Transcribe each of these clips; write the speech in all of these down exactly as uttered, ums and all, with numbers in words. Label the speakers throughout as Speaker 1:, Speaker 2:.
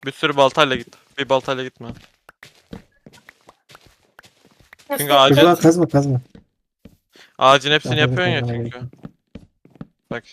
Speaker 1: Bir sürü baltayla git. Bir baltayla gitme. Çünkü
Speaker 2: Nasıl?
Speaker 1: ağacın,
Speaker 3: Şurada kazma kazma.
Speaker 1: ağacın hepsini
Speaker 3: Daha fazla
Speaker 1: yapıyorsun ya
Speaker 3: kazmana
Speaker 1: çünkü.
Speaker 3: gerek yok.
Speaker 1: Bak.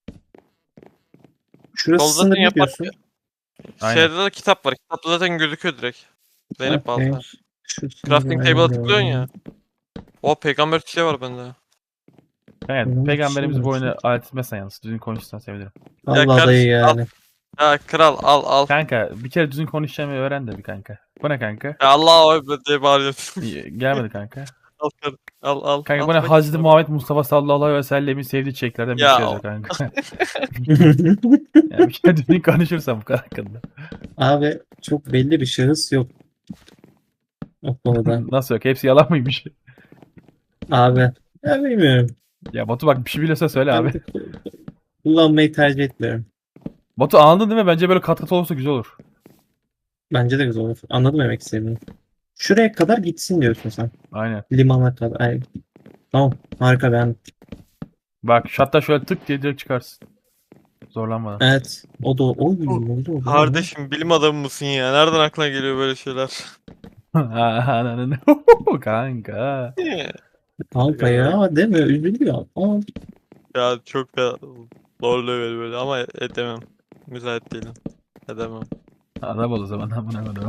Speaker 3: Şurası
Speaker 1: Solda zaten
Speaker 3: sınır ne
Speaker 1: yapar.
Speaker 3: diyorsun?
Speaker 4: Aynen.
Speaker 1: Şeyde de kitap var. Kitapta zaten gözüküyor direkt. Zeynep
Speaker 3: Okey.
Speaker 1: balta.
Speaker 3: Şu sınırı
Speaker 1: Crafting table'a tıklıyorsun ya.
Speaker 3: ayarlıyorum.
Speaker 1: O peygamber çiçeği var bende.
Speaker 4: Yani
Speaker 3: Bunun
Speaker 4: peygamberimiz
Speaker 3: için
Speaker 4: bu
Speaker 3: mi?
Speaker 4: oyunu alet etmezsen yalnız. Düzgün konuşursan sevinirim.
Speaker 3: Allah dayı
Speaker 1: kardeşim,
Speaker 3: yani.
Speaker 1: Ya kral al al.
Speaker 4: Kanka bir kere düzgün konuşacağımı öğren de bir kanka. Bu ne kanka?
Speaker 1: Ya Allah Ekber diye bağırıyorsun.
Speaker 4: İyi, gelmedi kanka.
Speaker 1: al kar- al al.
Speaker 4: Kanka
Speaker 1: al
Speaker 4: bu ne?
Speaker 1: bak
Speaker 4: Hazreti
Speaker 1: işte.
Speaker 4: Muhammed Mustafa sallallahu aleyhi ve sellemin sevdiği çiçeklerden bir
Speaker 1: Ya
Speaker 4: şey
Speaker 1: o-
Speaker 4: yazıyor kanka. Yani bir kere düzgün konuşursam bu kadar hakkında.
Speaker 3: Abi çok belli bir şahıs yok. O konuda.
Speaker 4: Nasıl yok? Hepsi yalan mıymış?
Speaker 3: Abi. Ya bilmiyorum.
Speaker 4: Ya Batu bak bir şey biliyorsa söyle
Speaker 3: Ben
Speaker 4: abi.
Speaker 3: de kullanmayı tercih etmiyorum.
Speaker 4: Batu anladın değil mi? Bence böyle kat kat olursa güzel olur.
Speaker 3: Bence de güzel olur. Anladım demek istediğini. Şuraya kadar gitsin diyorsun sen.
Speaker 4: Aynen.
Speaker 3: Limana kadar. Ay. Tamam. Harika ben.
Speaker 4: Bak şu hatta şöyle tık diye direkt çıkarsın. Zorlanmadan.
Speaker 3: Evet. O da oy oldu oldu.
Speaker 1: Kardeşim bilim adamı mısın ya? Nereden aklına geliyor böyle şeyler?
Speaker 4: Ananı. Kanka.
Speaker 3: Kanka ya değil mi? Üzülüyor. Aa,
Speaker 1: Ya çok da lol level böyle ama edemem. Müsait değilim. Edemem.
Speaker 4: Adam ol o zaman amına koyayım.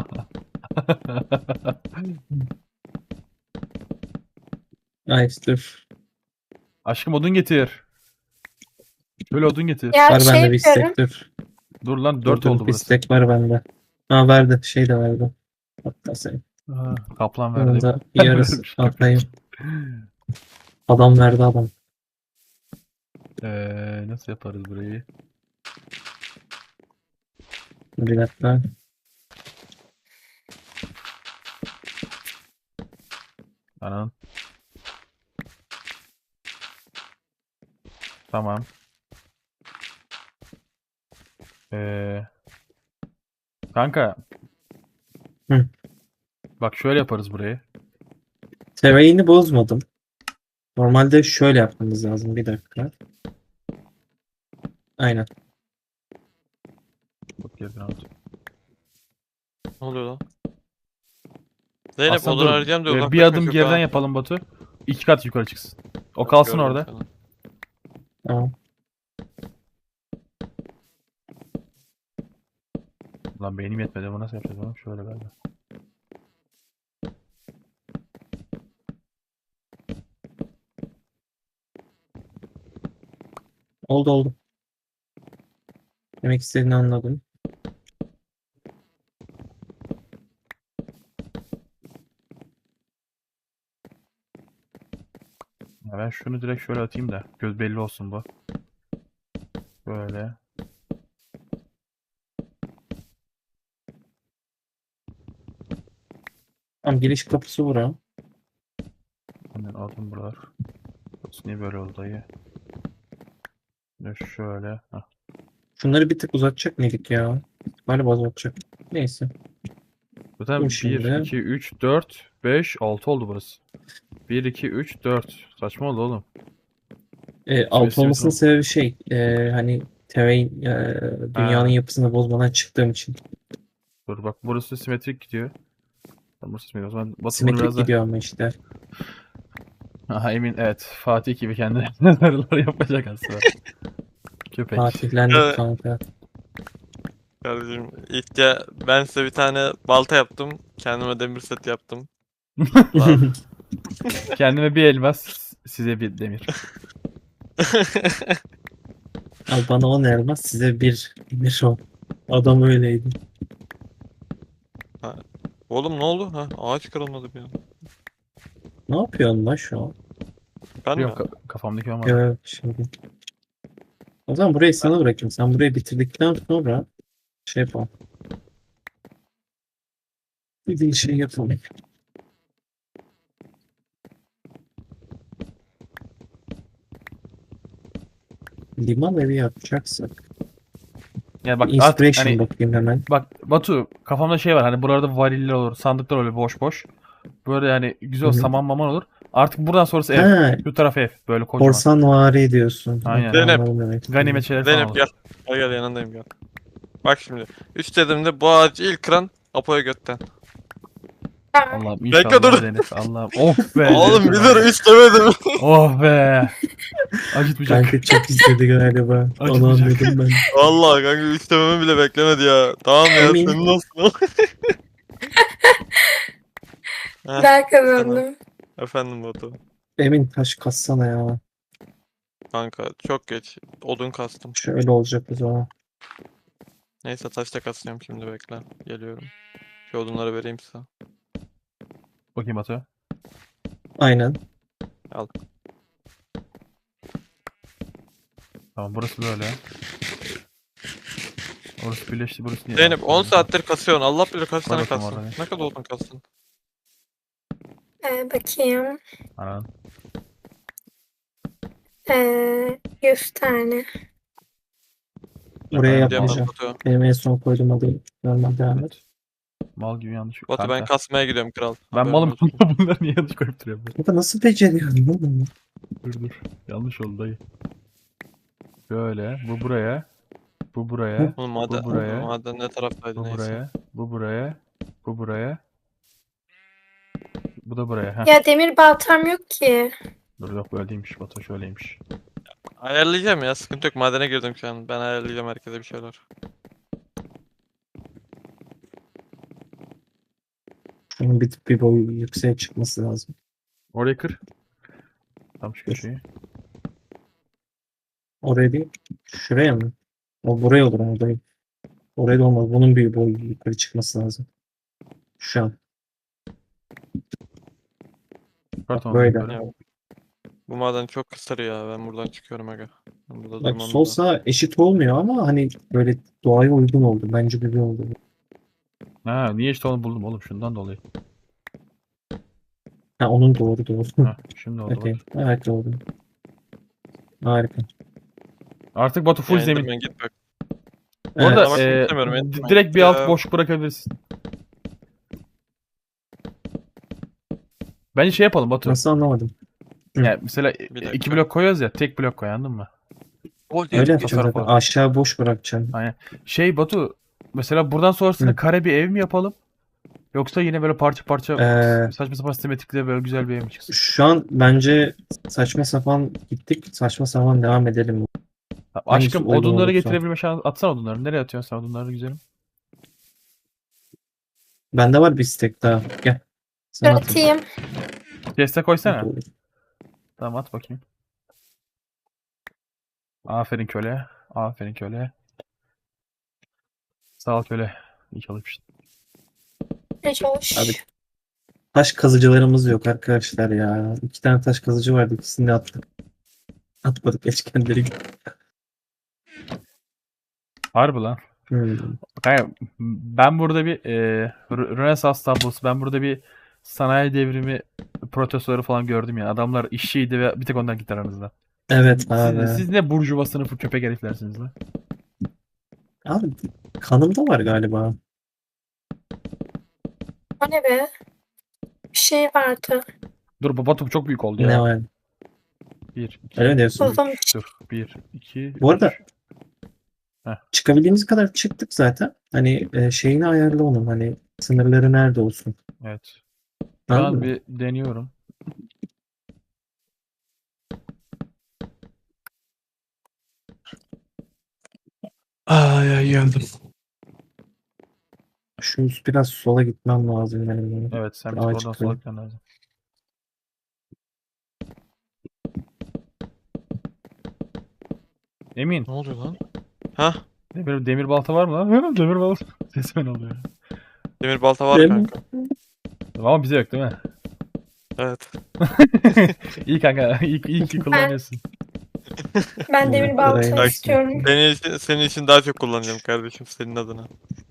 Speaker 3: nice dur.
Speaker 4: Aşkım odun getir. Şöyle odun getir.
Speaker 2: Ya
Speaker 3: Var
Speaker 2: şey
Speaker 3: bende bir
Speaker 2: yapıyorum.
Speaker 3: istek dur.
Speaker 4: Dur lan
Speaker 3: Dur,
Speaker 4: dört
Speaker 3: dur,
Speaker 4: oldu
Speaker 3: bir
Speaker 4: burası.
Speaker 3: istek var bende. Ha verdi. Şey de verdi. Hatta sen.
Speaker 4: Ha, kaplan
Speaker 3: Onun
Speaker 4: verdi.
Speaker 3: da yarısı
Speaker 4: Vermiş,
Speaker 3: atayım. Adam verdi adam.
Speaker 4: Eee nasıl yaparız burayı?
Speaker 3: Bir dakika.
Speaker 4: Anan. Tamam. Eee kanka.
Speaker 3: Hı.
Speaker 4: Bak şöyle yaparız burayı.
Speaker 3: Terrain'i bozmadım. Normalde şöyle yapmamız lazım. Bir dakika. Aynen.
Speaker 4: Bak geriden al.
Speaker 1: Ne oluyor lan? Zeynep
Speaker 4: Aslında
Speaker 1: odun
Speaker 4: dur,
Speaker 1: arayacağım diye
Speaker 4: e, bir
Speaker 1: uzaklaşma
Speaker 4: adım
Speaker 1: çok
Speaker 4: geriden
Speaker 1: ha.
Speaker 4: yapalım Batu. İki kat yukarı çıksın. O kalsın
Speaker 1: Gördüm
Speaker 4: orada.
Speaker 1: seni.
Speaker 3: Tamam.
Speaker 4: Lan beynim yetmedi. Bu nasıl yapacağız oğlum? Şöyle galiba.
Speaker 3: Oldu oldu. Demek istediğini anladım.
Speaker 4: Ya ben şunu direkt şöyle atayım da göz belli olsun bu. Böyle.
Speaker 3: Tamam giriş kapısı bura.
Speaker 4: Hemen aldım buralar. Burası niye böyle oldu dayı? Ya şöyle. Hah.
Speaker 3: Şunları bir tık uzatacak mıydık ya? Galiba uzatacak. Neyse.
Speaker 4: Zaten
Speaker 3: Dur
Speaker 4: bir,
Speaker 3: şimdi.
Speaker 4: iki, üç, dört, beş, altı oldu burası. bir, iki, üç, dört. Saçma oldu oğlum.
Speaker 3: E, alt
Speaker 4: Sesi
Speaker 3: olmasının
Speaker 4: yok.
Speaker 3: sebebi şey. E, hani terrain e, dünyanın
Speaker 4: Ha.
Speaker 3: yapısını bozmadan çıktığım için.
Speaker 4: Dur bak burası simetrik gidiyor. Tamam, burası simetrik. O zaman Batu bunu
Speaker 3: Simetrik
Speaker 4: biraz da...
Speaker 3: gidiyor ama işte.
Speaker 4: Aha emin evet. Fatih gibi kendine nazarlar yapacak aslında. Köpek.
Speaker 3: Fatihlendik
Speaker 1: Evet.
Speaker 3: kanka.
Speaker 1: Kardeşim ilk ya ben size bir tane balta yaptım. Kendime demir set yaptım. Lan.
Speaker 4: Kendime bir elmas, size bir demir.
Speaker 3: Al bana on elmas size bir bir o. Adam öyleydi.
Speaker 1: Oğlum ne oldu? Ha, ağaç kırılmadı bir an.
Speaker 3: Ne yapıyorsun lan şu an?
Speaker 1: Ben mi?
Speaker 4: Yok ka- kafamdaki ama.
Speaker 3: Evet şimdi. O zaman burayı sana bırakayım. Sen burayı bitirdikten sonra şey yapalım. Bir de şey yapalım. Liman evi yapacaksak.
Speaker 4: Yani bak artık
Speaker 3: Inspiration
Speaker 4: hani
Speaker 3: bakayım hemen.
Speaker 4: bak Batu kafamda şey var hani buralarda variller olur, sandıklar olur boş boş. Böyle yani güzel
Speaker 3: Hı hı.
Speaker 4: saman maman olur. Artık buradan sonrası ev.
Speaker 3: Ha,
Speaker 4: Şu taraf ev. Böyle kocaman.
Speaker 3: korsan vari diyorsun.
Speaker 4: Aynen.
Speaker 3: Okey,
Speaker 1: Zeynep.
Speaker 3: anladım demek istediğini.
Speaker 4: Ganimet şeyler falan
Speaker 1: Zeynep
Speaker 4: olur.
Speaker 1: gel. Gel gel yanındayım gel. Bak şimdi. üç dediğimde bu ağacı ilk kıran Apo'ya götten.
Speaker 2: Tamam.
Speaker 4: Allah'ım
Speaker 1: Bekle,
Speaker 4: inşallah
Speaker 1: dur.
Speaker 4: Deniz. Allah'ım. Of be.
Speaker 1: Oğlum bir
Speaker 4: Deniz.
Speaker 1: dur üç demedim.
Speaker 4: Oh be. Acıtmayacak.
Speaker 3: Kanka çok izledi galiba. Onu
Speaker 4: Acımayacak.
Speaker 3: anladım ben.
Speaker 1: Vallahi kanka üç dememi bile beklemedi ya. Tamam ya
Speaker 3: Emin.
Speaker 1: senin olsun. Heh,
Speaker 2: Ben kazandım.
Speaker 1: efendim Batu.
Speaker 3: Emin taş kassana ya.
Speaker 1: Kanka çok geç. Odun kastım.
Speaker 3: Şöyle olacak o zaman.
Speaker 1: Neyse taş da kasıyorum şimdi bekle. Geliyorum. Şu odunları vereyim size.
Speaker 4: Bakayım Batu.
Speaker 3: Aynen.
Speaker 4: Tamam burası böyle. Orası birleşti, burası niye?
Speaker 1: Zeynep on
Speaker 4: Tamam.
Speaker 1: saattir kasıyorsun. Allah bilir kaç
Speaker 4: Koy
Speaker 1: tane
Speaker 4: bakalım
Speaker 1: kastın.
Speaker 4: oraya.
Speaker 1: Ne kadar odun kastın?
Speaker 2: Ee, bakayım.
Speaker 4: Anan.
Speaker 2: Ee, yüz tane.
Speaker 3: Buraya
Speaker 4: Ben-
Speaker 3: yapmayacağım.
Speaker 1: Batu.
Speaker 3: Benim en son koyduğum adı normal devam et.
Speaker 4: Evet. Mal gibi yanlış.
Speaker 1: Batu ben
Speaker 4: Kanka,
Speaker 1: kasmaya gidiyorum kral.
Speaker 4: ben
Speaker 1: Haberin
Speaker 4: malım.
Speaker 1: olsun.
Speaker 4: Bunları niye yanlış koyup duruyorum? ben?
Speaker 3: Kanka nasıl beceriyorsun oğlum?
Speaker 4: Dur dur. Yanlış oldu dayı. Böyle. Bu buraya. Bu buraya.
Speaker 1: Oğlum maden,
Speaker 4: buraya.
Speaker 1: maden ne taraftaydı
Speaker 4: Bu
Speaker 1: neyse.
Speaker 4: buraya. Bu buraya. Bu buraya. Bu da buraya. Heh.
Speaker 2: Ya demir baltam yok ki.
Speaker 4: Dur yok böyle değilmiş. Batu şöyleymiş.
Speaker 1: Ayarlayacağım ya sıkıntı yok. Madene girdim şu an. Ben ayarlayacağım herkese bir şeyler.
Speaker 3: Şunun bir, bir boyu yükseğe çıkması lazım.
Speaker 4: Orayı kır. Tam şu köşeyi.
Speaker 3: Oraya değil. Şuraya mı? O buraya olur ama dayı. Oraya da olmaz. Bunun bir boyu yukarı çıkması lazım. Şu an.
Speaker 4: Çıkart onu
Speaker 3: böyle.
Speaker 4: yukarı.
Speaker 1: Ya, bu maden çok kısır ya. Ben buradan çıkıyorum aga. Ben burada
Speaker 3: Bak
Speaker 1: durmam
Speaker 3: sol
Speaker 1: lazım.
Speaker 3: sağ eşit olmuyor ama hani böyle doğaya uygun oldu. Bence güzel oldu.
Speaker 4: Ha niye işte onu buldum oğlum şundan dolayı.
Speaker 3: Ha onun doğru doğru.
Speaker 4: Ha şimdi oldu
Speaker 3: Okey.
Speaker 4: bak.
Speaker 3: Evet oldu. Harika.
Speaker 4: Artık Batu full
Speaker 1: Yani
Speaker 4: zemin.
Speaker 1: ben git bak.
Speaker 4: Bu arada
Speaker 1: Evet. Bakmak
Speaker 4: e,
Speaker 1: istemiyorum,
Speaker 4: di-
Speaker 1: etmeyin.
Speaker 4: direkt bir
Speaker 1: Ya.
Speaker 4: alt boş bırakabilirsin. Bence şey yapalım Batu.
Speaker 3: Nasıl anlamadım. Hı.
Speaker 4: Yani mesela e,
Speaker 1: Bir dakika.
Speaker 4: iki blok koyuyoruz ya tek blok koy anladın mı?
Speaker 1: Gol
Speaker 3: Öyle yapacağım
Speaker 4: tasarruf
Speaker 3: zaten.
Speaker 4: olur.
Speaker 3: Aşağı boş bırakacaksın.
Speaker 4: Aynen. Şey Batu mesela buradan sonrasında
Speaker 3: Hı.
Speaker 4: kare bir ev mi yapalım? Yoksa yine böyle parça parça
Speaker 3: Ee,
Speaker 4: saçma sapan simetrikle böyle güzel bir ev mi çıksın?
Speaker 3: Şu an bence saçma sapan gittik. Saçma sapan devam edelim.
Speaker 4: Tamam,
Speaker 3: hangisi
Speaker 4: aşkım
Speaker 3: uygun
Speaker 4: odunları
Speaker 3: olursa.
Speaker 4: getirebilme şansı atsana odunları. Nereye atıyorsun sen odunları güzelim?
Speaker 3: Bende var bir istek daha. Gel. Sen at.
Speaker 2: Atayım.
Speaker 4: Chest'e koysana.
Speaker 3: Doğru.
Speaker 4: Tamam at bakayım. Aferin köle. Aferin köle. Sağ ol köle. İyi çalışmışsın.
Speaker 2: Ne çalış.
Speaker 3: Abi. Taş kazıcılarımız yok arkadaşlar ya. İki tane taş kazıcı vardı. İkisini de attık. Atmadık. Geç kendileri gitti.
Speaker 4: Harbi lan.
Speaker 3: Hmm.
Speaker 4: Kanka, ben burada bir e, Rö- Rönesans tablosu, ben burada bir sanayi devrimi protestörü falan gördüm ya. Adamlar işçiydi ve bir tek onlar gitti aranızda.
Speaker 3: Evet abi.
Speaker 4: Siz, siz ne burjuva sınıfı köpek heriflersiniz lan.
Speaker 3: Abi kanımda var galiba.
Speaker 2: O ne be? Bir şey vardı.
Speaker 4: Dur Batu çok büyük oldu
Speaker 3: Ne
Speaker 4: ya.
Speaker 3: var?
Speaker 4: Bir, iki,
Speaker 3: Öyle mi diyorsun?
Speaker 2: Buldum.
Speaker 4: üç, dur. Bir, iki,
Speaker 3: Bu arada
Speaker 4: üç.
Speaker 3: çıkabildiğimiz kadar çıktık zaten. Hani e, şeyini ayarla onun. Hani sınırları nerede olsun.
Speaker 4: Evet. Şu
Speaker 3: Anladın
Speaker 4: an
Speaker 3: mı?
Speaker 4: bir deniyorum.
Speaker 1: Ay ay geldim.
Speaker 3: Şu biraz sola gitmem lazım benim.
Speaker 4: Evet sen bir
Speaker 3: Daha
Speaker 4: oradan
Speaker 3: çıkıyor.
Speaker 4: sola gitmen lazım. Emin.
Speaker 1: Ne oluyor lan? Hah.
Speaker 4: Demir, demir balta var mı lan? Demir balta. Sesime ne oluyor?
Speaker 1: Demir balta var
Speaker 3: Değil mi?
Speaker 1: kanka.
Speaker 4: Ama bize yok değil mi?
Speaker 1: Evet.
Speaker 4: İyi kanka. İyi, iyi ki kullanıyorsun.
Speaker 2: Ben demir balta
Speaker 3: Bak,
Speaker 2: istiyorum.
Speaker 1: Senin için, senin için daha çok kullanacağım kardeşim senin adına.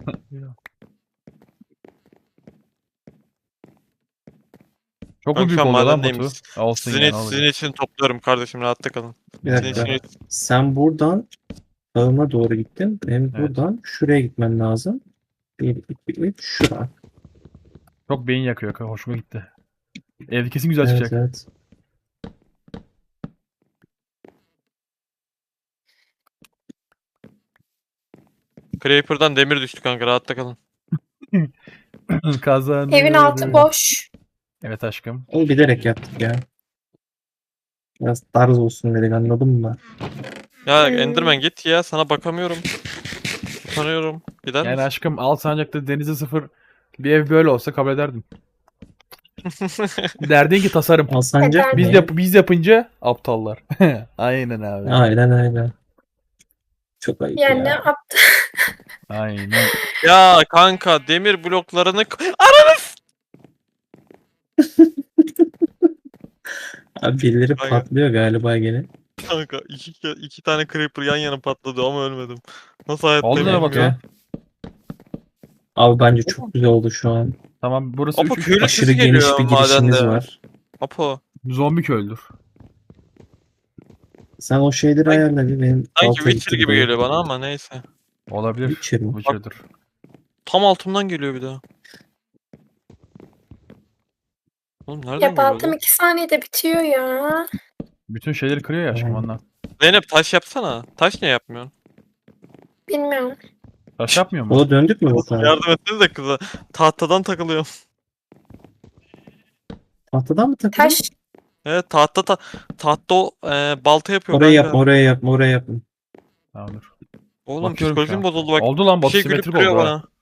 Speaker 4: Çok mu
Speaker 1: Ben
Speaker 4: büyük
Speaker 1: şu an
Speaker 4: oluyor lan
Speaker 1: madendeyim.
Speaker 4: Batu? Olsun
Speaker 1: Sizin,
Speaker 4: ya
Speaker 1: için,
Speaker 4: ne
Speaker 1: sizin
Speaker 4: olacak?
Speaker 1: için topluyorum kardeşim rahatta kalın.
Speaker 3: Bir
Speaker 1: Senin
Speaker 3: dakika.
Speaker 1: için
Speaker 3: Sen buradan sağıma doğru gittin. Benim
Speaker 4: Evet.
Speaker 3: buradan şuraya gitmem lazım. Bir, iki, üç, şura.
Speaker 4: Çok beyin yakıyor. kanka, Hoşuma gitti. Evde kesin güzel
Speaker 3: Evet,
Speaker 4: çıkacak.
Speaker 3: evet.
Speaker 1: Creeper'dan demir düştü kanka, rahatta kalın.
Speaker 4: Kazandı.
Speaker 2: Evin altı boş.
Speaker 4: Evet aşkım.
Speaker 3: Onu bilerek yaptık ya. Biraz tarz olsun dedik, anladın mı?
Speaker 1: Ya
Speaker 2: Hmm.
Speaker 1: Enderman git ya, sana bakamıyorum. Utanıyorum. Gider
Speaker 4: Yani
Speaker 1: misin?
Speaker 4: aşkım Alsancak'ta denize sıfır bir ev böyle olsa kabul ederdim. Derdin ki tasarım.
Speaker 3: Alsancak
Speaker 2: Eder
Speaker 3: mı?
Speaker 4: Biz
Speaker 2: miyim?
Speaker 4: yap biz yapınca aptallar. Aynen abi.
Speaker 3: Aynen aynen. Çok ayıp
Speaker 2: Yani ne
Speaker 3: ya.
Speaker 2: yaptı?
Speaker 4: Aynen.
Speaker 1: Ya kanka demir bloklarını k- Ananı s-
Speaker 3: Abi birileri
Speaker 1: Aynen.
Speaker 3: patlıyor galiba gene.
Speaker 1: kanka iki, ke- iki tane creeper yan yana patladı ama ölmedim. Nasıl hayatta
Speaker 4: Oldu ne
Speaker 1: bilmiyorum.
Speaker 4: Batu?
Speaker 3: Abi bence çok güzel oldu şu an.
Speaker 4: Tamam burası
Speaker 1: Apo
Speaker 4: üç üç.
Speaker 1: köylü
Speaker 3: Aşırı
Speaker 1: sesi
Speaker 3: geniş
Speaker 1: geliyor
Speaker 3: bir girişimiz
Speaker 1: madende.
Speaker 3: var.
Speaker 1: Apo.
Speaker 4: Zombi köylüdür.
Speaker 3: Sen o şeyleri
Speaker 1: Sanki-
Speaker 3: ayarla bir, benim
Speaker 1: Sanki
Speaker 3: balta
Speaker 1: Witcher
Speaker 3: gitti
Speaker 1: gibi
Speaker 3: buraya.
Speaker 1: geliyor bana ama neyse.
Speaker 4: Olabilir.
Speaker 3: Witcher mi?
Speaker 4: Witcher'dır.
Speaker 1: Tam altımdan geliyor bir daha. Oğlum nereden
Speaker 2: Ya
Speaker 1: geliyor
Speaker 2: baltam
Speaker 1: lan?
Speaker 2: iki saniyede bitiyor ya.
Speaker 4: Bütün şeyleri kırıyor ya aşkım
Speaker 3: Aynen.
Speaker 4: ondan.
Speaker 1: Zeynep taş yapsana. Taş niye yapmıyorsun?
Speaker 2: Bilmiyorum.
Speaker 4: Taş yapmıyor mu?
Speaker 3: Ola döndük mü bu tarafa?
Speaker 1: Yardım etsenize kıza. Tahtadan takılıyorum.
Speaker 3: Tahtadan mı takılıyor?
Speaker 2: Taş.
Speaker 1: Evet tahta ta tahta o e, balta yapıyor
Speaker 3: Oraya
Speaker 1: kanka.
Speaker 3: yapma, oraya yapma, oraya yapma.
Speaker 4: Tamamdır.
Speaker 1: Oğlum
Speaker 4: Bakıyorum şu
Speaker 1: psikolojim
Speaker 4: an.
Speaker 1: bozuldu bak.
Speaker 4: Oldu lan
Speaker 1: Bir
Speaker 4: Batu
Speaker 1: şey gülüp
Speaker 4: simetrik
Speaker 1: duruyor
Speaker 4: oldu ha.
Speaker 1: bana.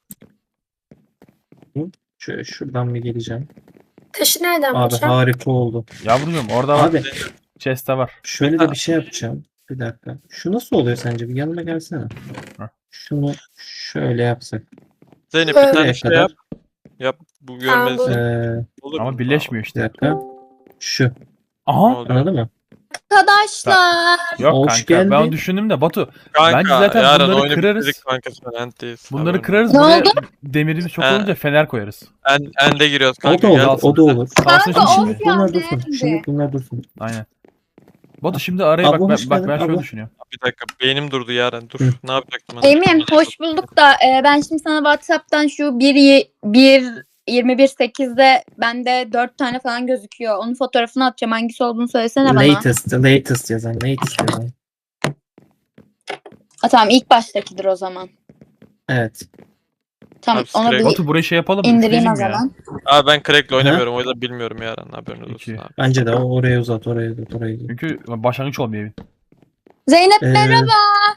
Speaker 3: Şöyle şuradan bir geleceğim.
Speaker 2: Taşı nereden
Speaker 3: Abi
Speaker 2: bulacağım?
Speaker 3: harika oldu.
Speaker 4: Yavrucuğum orada var.
Speaker 3: Abi
Speaker 4: Chest'te var.
Speaker 3: şöyle de bir şey yapacağım. Bir dakika. Şu nasıl oluyor sence? Bir yanıma gelsene.
Speaker 4: Heh.
Speaker 3: Şunu şöyle yapsak.
Speaker 1: Zeynep
Speaker 2: Şöyle
Speaker 1: bir tane
Speaker 3: Buraya
Speaker 1: şey
Speaker 3: kadar.
Speaker 1: yap. Yap bu
Speaker 2: Tamam,
Speaker 1: görmesi.
Speaker 2: bu-
Speaker 3: Ee,
Speaker 1: Olur
Speaker 4: Ama
Speaker 1: mu?
Speaker 4: birleşmiyor
Speaker 3: bir
Speaker 4: işte.
Speaker 3: dakika. Şu.
Speaker 1: Ne
Speaker 4: Aha.
Speaker 1: oluyor?
Speaker 3: Anladın mı?
Speaker 2: Arkadaşlar.
Speaker 4: Yok
Speaker 3: Hoş
Speaker 4: kanka. Ben
Speaker 3: geldin.
Speaker 4: onu düşündüm de Batu.
Speaker 1: Kanka
Speaker 4: Bence zaten
Speaker 1: yarın
Speaker 4: bunları
Speaker 1: oyunu
Speaker 4: kırarız.
Speaker 1: bitirdik kanka sen entteyiz.
Speaker 4: Bunları
Speaker 1: Haberin
Speaker 4: kırarız.
Speaker 2: Ne
Speaker 4: Buraya
Speaker 2: oldu?
Speaker 4: demirimiz çok
Speaker 1: He.
Speaker 4: olunca fener koyarız.
Speaker 1: olsun. En, ende giriyoruz
Speaker 3: O
Speaker 1: kanka.
Speaker 3: da olur,
Speaker 1: gel.
Speaker 4: Kalsın
Speaker 3: o da olur.
Speaker 4: Kalsın
Speaker 2: Kanka,
Speaker 4: şimdi.
Speaker 2: of.
Speaker 3: Bunlar
Speaker 2: ya,
Speaker 3: dursun.
Speaker 2: beğendi.
Speaker 3: Şimdi bunlar dursun.
Speaker 4: Aynen. Batu şimdi araya
Speaker 3: Abla
Speaker 4: bak
Speaker 3: hoş
Speaker 4: ben, bak
Speaker 3: geldin,
Speaker 4: ben şöyle
Speaker 3: abla.
Speaker 4: düşünüyorum.
Speaker 1: Bir dakika beynim durdu Yaren. Dur.
Speaker 3: Hı.
Speaker 1: Ne yapacaktım ben?
Speaker 5: Emin hoş bulduk da e, ben şimdi sana WhatsApp'tan şu bir, bir yirmi bir sekizde bende dört tane falan gözüküyor. Onun fotoğrafını atacağım. Hangisi olduğunu söylesene bana.
Speaker 3: Latest, latest yazan, latest yazan.
Speaker 5: Ha, tamam ilk baştakidir o zaman.
Speaker 3: Evet.
Speaker 5: Tamam
Speaker 1: Abi,
Speaker 5: onu
Speaker 1: Scrap-
Speaker 5: bir
Speaker 4: Batu burayı şey yapalım mı?
Speaker 5: indireyim o
Speaker 4: Üfleyelim ya.
Speaker 5: zaman.
Speaker 1: Abi ben Crack'le oynamıyorum. O yüzden bilmiyorum Yaren. Haberiniz olsun
Speaker 4: İki.
Speaker 1: abi.
Speaker 3: Bence de o oraya uzat, oraya uzat, oraya uzat.
Speaker 4: Çünkü başlangıç olmuyor evin.
Speaker 5: Zeynep
Speaker 3: Ee,
Speaker 5: merhaba.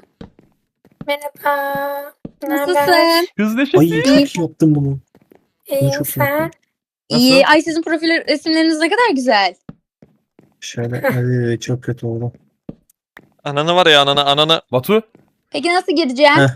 Speaker 2: Merhaba. Ne haber?
Speaker 5: Nasılsın?
Speaker 4: Kız neşesi.
Speaker 3: Ay çok iyi yaptın bunu.
Speaker 2: İyiyim
Speaker 3: çok iyi
Speaker 2: sen.
Speaker 3: yaptın.
Speaker 5: İyi. Ay sizin profil resimleriniz ne kadar güzel.
Speaker 3: Şöyle, hadi çok kötü oldu.
Speaker 1: Ananı var ya ananı ananı.
Speaker 4: Batu.
Speaker 5: Peki nasıl gireceğim?
Speaker 3: Heh.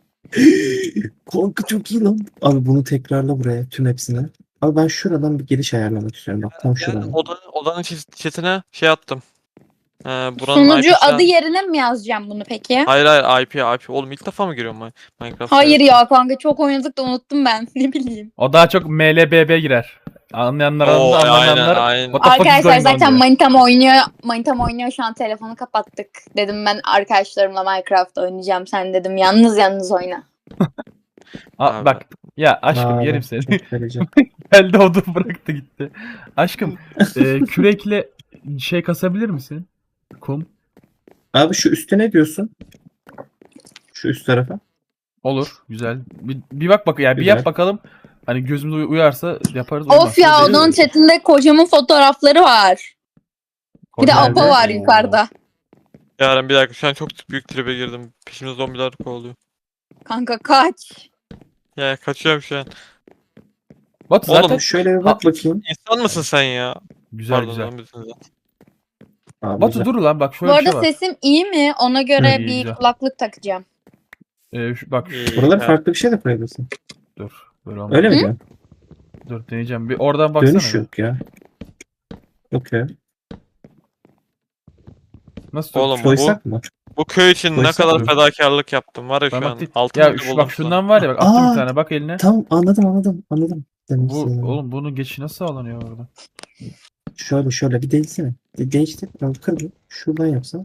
Speaker 3: Korku çok iyi lan. Abi bunu tekrarla buraya, tüm hepsini. Abi ben şuradan bir giriş ayarlamak istiyorum. Bak tam
Speaker 1: Yani
Speaker 3: şuradan.
Speaker 1: odanın, odanın çiz- chatine şey attım. Ee, buranın
Speaker 5: Sunucu
Speaker 1: I P'sine
Speaker 5: adı yerine mi yazacağım bunu peki?
Speaker 1: Hayır hayır I P I P. Oğlum ilk defa mı giriyorum ben Minecraft'a?
Speaker 5: Hayır ya kanka çok oynadık da unuttum ben. Ne bileyim.
Speaker 4: O daha çok M L B B girer. Anlayanlar
Speaker 1: Oo,
Speaker 4: anladı,
Speaker 1: aynen,
Speaker 4: anlamayanlar.
Speaker 1: aynen.
Speaker 4: What the fuck is
Speaker 5: Arkadaşlar
Speaker 4: going on
Speaker 5: zaten
Speaker 4: diyor.
Speaker 5: manitam oynuyor. Manitam oynuyor şu an telefonu kapattık. Dedim ben arkadaşlarımla Minecraft oynayacağım. Sen dedim yalnız yalnız oyna.
Speaker 4: Aa,
Speaker 1: Abi.
Speaker 4: bak ya aşkım
Speaker 3: Abi,
Speaker 4: yerim seni.
Speaker 3: çok ferici.
Speaker 4: Geldi odun bıraktı gitti. Aşkım e, kürekle şey kasabilir misin? Kum.
Speaker 3: Abi şu üstte ne diyorsun? Şu üst tarafa.
Speaker 4: Olur. Güzel. Bir, bir bak bak ya bir
Speaker 3: Güzel.
Speaker 4: yap bakalım. Hani gözümüze uy- uyarsa yaparız. uymazsa
Speaker 5: Of ya
Speaker 4: değil.
Speaker 5: onun chatinde kocamın fotoğrafları var. Bir de
Speaker 3: Nerede?
Speaker 5: Apo var
Speaker 3: Oo.
Speaker 5: yukarıda.
Speaker 1: Yaren bir dakika şu an çok büyük tribe girdim. Peşimde zombiler kovalıyor.
Speaker 5: Kanka kaç.
Speaker 1: Ya kaçıyorum şu an.
Speaker 4: Batu
Speaker 1: Oğlum,
Speaker 4: zaten
Speaker 3: Şöyle bir bak bakayım.
Speaker 1: İnsan mısın sen ya?
Speaker 4: güzel
Speaker 1: Pardon
Speaker 4: güzel.
Speaker 1: zombisin zaten.
Speaker 3: Abi,
Speaker 4: Batu
Speaker 3: güzel.
Speaker 4: dur lan bak şöyle
Speaker 5: Bu
Speaker 4: bir şey
Speaker 5: arada
Speaker 4: var.
Speaker 5: sesim iyi mi? Ona göre
Speaker 4: İyi,
Speaker 5: bir
Speaker 4: güzel.
Speaker 5: kulaklık takacağım.
Speaker 4: Ee, şu, bak
Speaker 1: İyi,
Speaker 3: Buraları
Speaker 1: ya.
Speaker 3: farklı bir şey de koyabilirsin.
Speaker 4: dur. Böyle olmaz.
Speaker 3: Öyle mi diyorsun?
Speaker 4: Dur deneyeceğim. Bir oradan baksana.
Speaker 3: Dönüş
Speaker 4: bir.
Speaker 3: yok ya. Yok ya.
Speaker 4: Nasıl dur?
Speaker 1: Oğlum bu,
Speaker 3: Koysak mı?
Speaker 1: bu köy için ne
Speaker 3: Koysak
Speaker 1: kadar
Speaker 4: mı?
Speaker 1: fedakarlık yaptım var ya
Speaker 4: Ben
Speaker 1: şu
Speaker 4: bak
Speaker 1: an.
Speaker 4: değil.
Speaker 1: Altın
Speaker 4: Ya
Speaker 1: bile
Speaker 4: şu,
Speaker 1: buldum
Speaker 4: bak
Speaker 1: şu an.
Speaker 4: şundan var ya bak attım
Speaker 3: Aa!
Speaker 4: bir tane bak eline.
Speaker 3: Tamam anladım anladım anladım. Demek
Speaker 4: Bu
Speaker 3: istediğimi.
Speaker 4: oğlum bunun geçişi nasıl sağlanıyor orada?
Speaker 3: Şöyle şöyle bir değilsene. De değiştir. Ben kırdım. Şuradan yapsam.